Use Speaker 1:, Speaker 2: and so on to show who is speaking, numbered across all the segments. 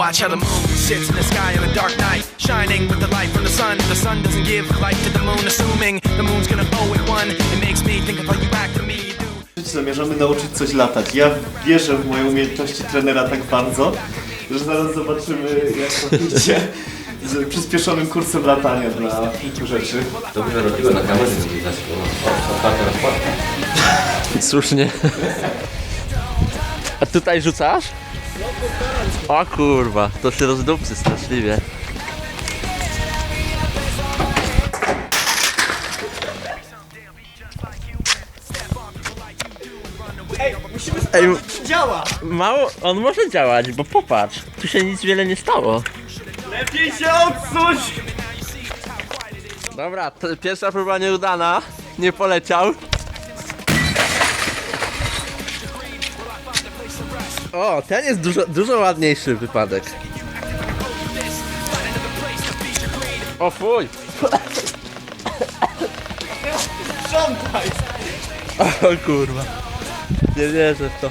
Speaker 1: Watch how the moon sits in the sky on a dark night, shining with the light from the sun. The sun doesn't give light to the moon, assuming the moon's gonna owe it one. It makes me think of how you act to me.
Speaker 2: Zamierzamy nauczyć coś latać. Ja wierzę w moje umiejętności trenera tak bardzo, że zaraz zobaczymy, jak to idzie z przyspieszonym kursem latania dla kilku rzeczy.
Speaker 3: Dobrze robiło na kamerze, nie widać. Ostatnia rozkładka.
Speaker 4: Słusznie. A tutaj rzucasz? O kurwa, to się rozdupcy straszliwie. Ej,
Speaker 2: Działa!
Speaker 4: mało, on może działać, bo popatrz, tu się nic wiele nie stało.
Speaker 2: Lepiej się odsuć!
Speaker 4: Dobra, pierwsza próba nieudana, nie poleciał. O, ten jest dużo ładniejszy wypadek. O fuj!
Speaker 2: Sprzątaj!
Speaker 4: O kurwa. Nie wierzę w to.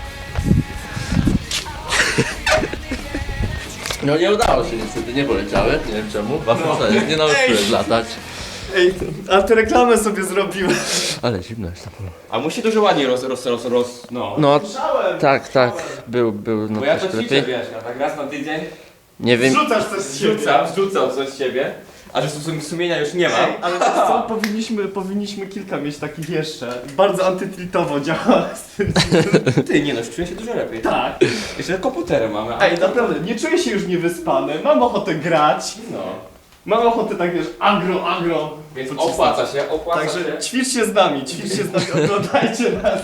Speaker 4: No nie udało się niestety, nie poleciały, nie wiem czemu. Nie nauczyłem latać.
Speaker 2: Ej, a ty reklamę sobie zrobiłem.
Speaker 4: Ale zimno jest na pewno.
Speaker 3: A musi dużo ładniej
Speaker 4: No, tak, był, no
Speaker 3: Bo ja to
Speaker 4: troszkę
Speaker 3: ćwiczę,
Speaker 4: lepiej.
Speaker 3: wiesz, ja tak raz na tydzień
Speaker 4: Nie wiem,
Speaker 2: Rzucasz coś z siebie.
Speaker 3: rzucam coś z siebie, a że sumienia już nie mam.
Speaker 2: Ej, ale wiesz co, powinniśmy kilka mieć takich jeszcze. Bardzo antytiltowo działa.
Speaker 3: Ty, nie no, czuję się dużo lepiej.
Speaker 2: Tak.
Speaker 3: Jeszcze komputery mamy. a-
Speaker 2: Ej, naprawdę, nie czuję się już niewyspany, mam ochotę grać.
Speaker 3: No.
Speaker 2: Mam ochotę tak, wiesz, agro.
Speaker 3: Więc
Speaker 2: pocisnąć.
Speaker 3: opłaca się.
Speaker 2: Także ćwicz się z nami, oglądajcie nas.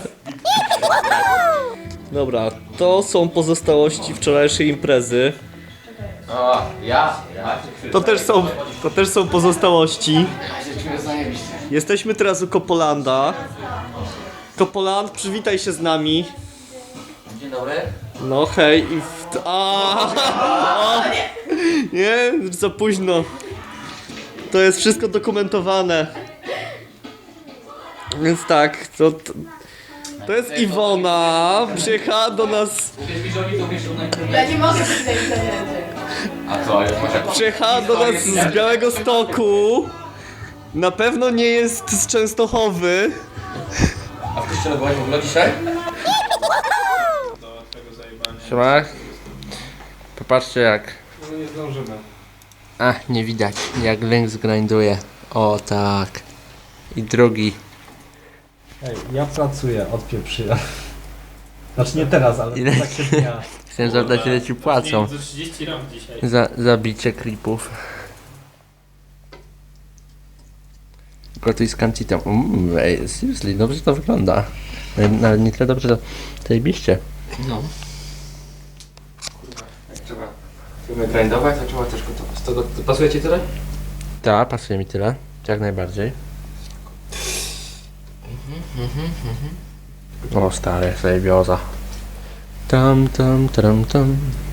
Speaker 5: Dobra, to są pozostałości wczorajszej imprezy.
Speaker 3: O, ja.
Speaker 2: To też są pozostałości. Jesteśmy teraz u Kopolanda. Kopoland, przywitaj się z nami.
Speaker 3: Dzień dobry.
Speaker 2: No hej i nie, za późno. To jest wszystko dokumentowane. Więc tak, to jest Iwona, przyjechała do nas,
Speaker 6: Ja nie mogę być tej trenerze.
Speaker 3: A co, już masz
Speaker 2: przyjechała do nas z Białegostoku. Na pewno nie jest z Częstochowy.
Speaker 3: A w kościele byłaś w ogóle dzisiaj?
Speaker 4: Siema. Popatrzcie jak. Nie zdążymy. A, nie widać, jak link zgrinduje. O tak. I drugi.
Speaker 7: Ej, ja pracuję, odpieprzyję. Znaczy nie teraz, ale
Speaker 4: Ile?
Speaker 7: tak się dnia.
Speaker 4: Chciałem zapytać, ile ci płacą
Speaker 8: Za 30 ram dzisiaj.
Speaker 4: za zabicie creepów. Gotuj z kancitem. Ej, seriously, dobrze to wygląda. Nawet nie tyle dobrze, to zajebiście.
Speaker 3: No. Trzeba. Chcemy grindować, a trzeba też gotować. To pasuje ci tyle?
Speaker 4: Tak, pasuje mi tyle. Jak najbardziej. O stary, zajebioza. Tam.